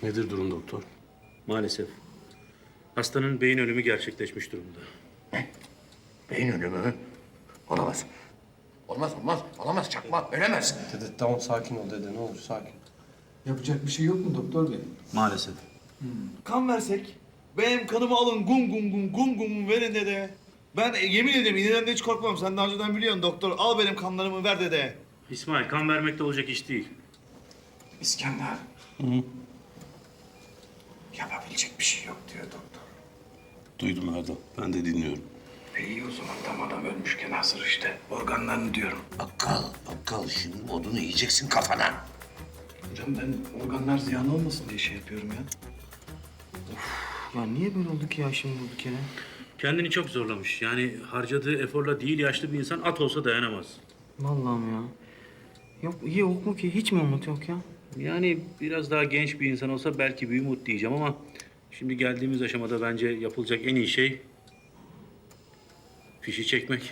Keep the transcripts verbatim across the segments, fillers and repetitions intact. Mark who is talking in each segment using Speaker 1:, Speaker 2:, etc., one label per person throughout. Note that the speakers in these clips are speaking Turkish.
Speaker 1: Nedir durum doktor?
Speaker 2: Maalesef. Hastanın beyin ölümü gerçekleşmiş durumda.
Speaker 3: Beyin ölümü mü? Olamaz. Olmaz, olmaz. Olamaz, çakma. Ölemez.
Speaker 1: Dede tamam sakin ol dede ne olur sakin.
Speaker 4: Yapacak bir şey yok mu doktor bey?
Speaker 2: Maalesef.
Speaker 5: Kan versek. Benim kanımı alın gum gum gum gum gum verin dede. Ben e, yemin ederim iğneden de hiç korkmam. Sen daha önceden biliyorsun doktor. Al benim kanlarımı ver dede.
Speaker 2: İsmail, kan vermekte olacak iş değil.
Speaker 4: İskender. Yapabilecek bir şey yok diyor doktor.
Speaker 1: Duydum Erdal. Ben de dinliyorum.
Speaker 4: E iyi o zaman tam adam ölmüşken hazır işte. Organlarını diyorum.
Speaker 3: Bakkal, bakkal. Şimdi odunu yiyeceksin kafana.
Speaker 4: Hocam ben organlar ziyan olmasın diye şey yapıyorum ya.
Speaker 5: Ya niye böyle oldu ki ya şimdi bu kere?
Speaker 2: Kendini çok zorlamış. Yani harcadığı eforla değil yaşlı bir insan at olsa dayanamaz.
Speaker 5: Vallahi mi ya? Yok iyi yok mu ki? Hiç mi umut yok ya?
Speaker 2: Yani biraz daha genç bir insan olsa belki bir umut diyeceğim ama... ...şimdi geldiğimiz aşamada bence yapılacak en iyi şey... ...fişi çekmek.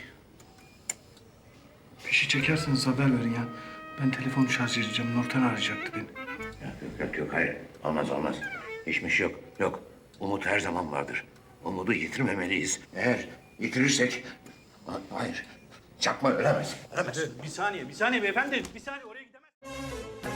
Speaker 4: Fişi çekerseniz haber verin ya. Ben telefonu şarj edeceğim. Nurten arayacaktı beni.
Speaker 3: Yok, yok, yok. Hayır. Olmaz, olmaz. Hiçbir şey yok. Yok. Umut her zaman vardır. Umudu yitirmemeliyiz. Eğer yitirirsek... Ha- Hayır. Çakma ölemez. Ölemez.
Speaker 2: Bir saniye, bir saniye beyefendi. Bir saniye oraya gidemez.